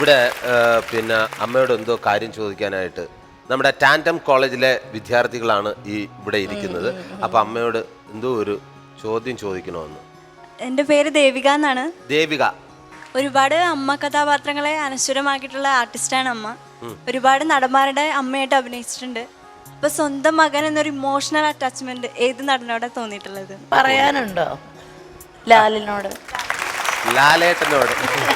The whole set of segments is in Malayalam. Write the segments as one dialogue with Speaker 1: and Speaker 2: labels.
Speaker 1: ഇവിടെ പിന്നെ അമ്മയോട് എന്തോ കാര്യം ചോദിക്കാനായിട്ട് നമ്മുടെ ടാൻഡം കോളേജിലെ വിദ്യാർത്ഥികളാണ് ഇവിടെ ഇരിക്കുന്നത്. അപ്പൊ അമ്മയോട് എന്തോ ഒരു ചോദ്യം ചോദിക്കണമെന്ന്.
Speaker 2: എൻ്റെ പേര് ദേവിക എന്നാണ്.
Speaker 1: ദേവിക,
Speaker 2: ഒരുപാട് അമ്മ കഥാപാത്രങ്ങളെ അനശ്വരമാക്കിയിട്ടുള്ള ആർട്ടിസ്റ്റാണ് അമ്മ. ഒരുപാട് നടന്മാരുടെ അമ്മയായിട്ട് അഭിനയിച്ചിട്ടുണ്ട്. അപ്പൊ സ്വന്തം മകൻ എന്നൊരു ഇമോഷണൽ അറ്റാച്ച്മെന്റ് ഏത് നടനോടെ തോന്നിയിട്ടുള്ളത്?
Speaker 3: പറയാനുണ്ടോ? ലാലിനോട്,
Speaker 1: ലാലേട്ടനോട്.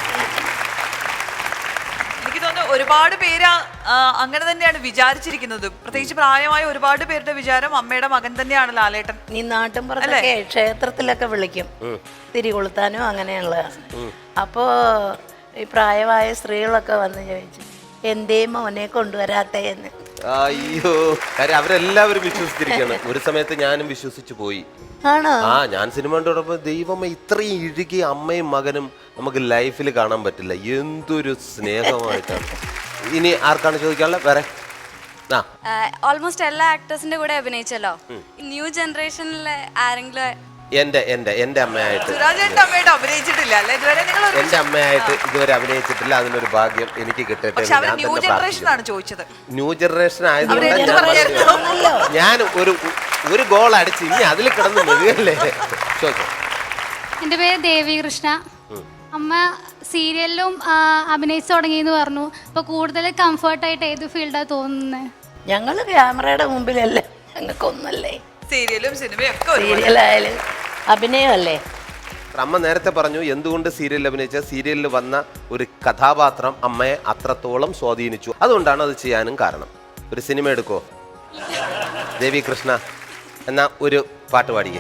Speaker 4: എനിക്ക് തോന്നുന്നു ഒരുപാട് പേര് അങ്ങനെ തന്നെയാണ് വിചാരിച്ചിരിക്കുന്നത്. പ്രത്യേകിച്ച് പ്രായമായ ഒരുപാട് പേരുടെ വിചാരം അമ്മയുടെ മകൻ തന്നെയാണ് ലാലേട്ടൻ.
Speaker 3: നീ നാട്ടിൻപുറത്തൊക്കെ ക്ഷേത്രത്തിലൊക്കെ വിളിക്കും തിരികൊളുത്താനും അങ്ങനെയുള്ള. അപ്പോ ഈ പ്രായമായ സ്ത്രീകളൊക്കെ വന്ന് ചോദിച്ചു എന്തേ മോനെ കൊണ്ടുവരാത്തേന്ന്.
Speaker 1: അയ്യോ, കാര്യം അവരെല്ലാവരും വിശ്വസിച്ചിരിക്കുകയാണ്. ഒരു സമയത്ത് ഞാനും വിശ്വസിച്ചു പോയി.
Speaker 3: ആണോ?
Speaker 1: ഞാൻ സിനിമ കണ്ടോടൊപ്പം ദൈവമേ ഇത്രയും ഇഴുകിയ അമ്മയും മകനും നമുക്ക് ലൈഫിൽ കാണാൻ പറ്റില്ല. എന്തൊരു സ്നേഹമായിട്ടാണ്. ഇനി ആർക്കാണ് ചോദിക്കാനുള്ളത്? വേറെ
Speaker 2: ഓൾമോസ്റ്റ് എല്ലാ ആക്ടേഴ്സിന്റെ കൂടെ അഭിനയിച്ചല്ലോ. ന്യൂ ജനറേഷനിലെ ആരെങ്കിലും
Speaker 1: എന്റെ അമ്മയായിട്ട്
Speaker 4: അഭിനയിച്ചിട്ടില്ല അല്ലേ ഇതുവരെ?
Speaker 1: എന്റെ അമ്മയായിട്ട് ഇതുവരെ അഭിനയിച്ചിട്ടില്ല. അതിനൊരു ഭാഗ്യം എനിക്ക് കിട്ടട്ടെ.
Speaker 4: ന്യൂ ജനറേഷൻ ആണ് ചോദിച്ചത്.
Speaker 1: ന്യൂ ജനറേഷൻ ആയതുകൊണ്ട് ഞാൻ ഒരു ഗോൾ അടിച്ച് ഇനി അതിൽ കിടന്ന് മതിയല്ലേ.
Speaker 5: എൻ്റെ പേര് ദേവി കൃഷ്ണ. അമ്മ സീരിയലിലും അഭിനയിച്ചു തുടങ്ങിയെന്ന് പറഞ്ഞു. അപ്പൊ കൂടുതൽ കംഫർട്ടായിട്ട് ഏത് ഫീൽഡാണ് തോന്നുന്നത്?
Speaker 3: ഞങ്ങള് ക്യാമറയുടെ മുമ്പിലല്ലേ, ഞങ്ങൾക്കൊന്നല്ലേ.
Speaker 4: സീരിയലും സിനിമയും ഒക്കെ
Speaker 3: സീരിയലായാലും അഭിനയമല്ലേ.
Speaker 1: അമ്മ നേരത്തെ പറഞ്ഞു എന്തുകൊണ്ട് സീരിയലിൽ അഭിനയിച്ച സീരിയലിൽ വന്ന ഒരു കഥാപാത്രം അമ്മയെ അത്രത്തോളം സ്വാധീനിച്ചു. അതുകൊണ്ടാണ് അത് ചെയ്യാനും കാരണം. ഒരു സിനിമ എടുക്കോ ദേവി കൃഷ്ണ? എന്നാ ഒരു പാട്ട് പാടിക്കേ.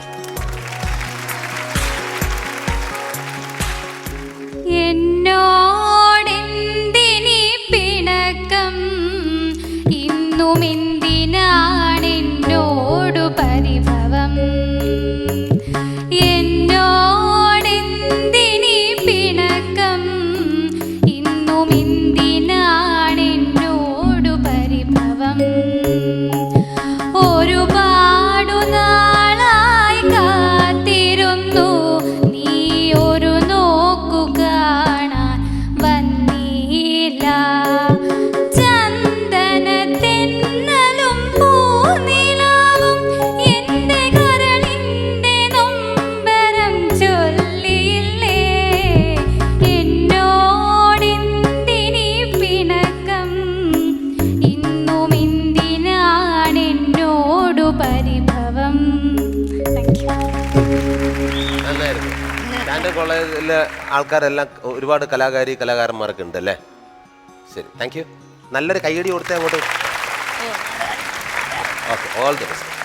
Speaker 5: എന്നോടെന്തിനി പിണക്കം, ഇന്നും എന്തിനാണെന്നോടു പരിഭവം. എന്നോടെന്തിനി പിണക്കം, ഇന്നും എന്തിനാണെന്നോടു പരിഭവം. ഒരുപാടു നാളായി കാത്തിരുന്നു നീ ഒരു നോക്കു കാണാൻ വന്നില്ല. ചന്ദനത്തെന്നലും പൂനിലാവും എന്റെ കരളിന്റെ നൊമ്പരം ചൊല്ലിയില്ലേ. എന്നോടെന്തിനി പിണക്കം, ഇന്നും എന്തിനാണെന്നോടു പരിഭവം.
Speaker 1: നന്നായിരുന്നു. ടാൻഡം കോളേജിലെ ആൾക്കാരെല്ലാം ഒരുപാട് കലാകാരന്മാരൊക്കെ ഉണ്ട് അല്ലേ? ശരി, താങ്ക് യു. നല്ലൊരു കൈയടി കൊടുത്തേ അങ്ങോട്ട്. Okay, all the best.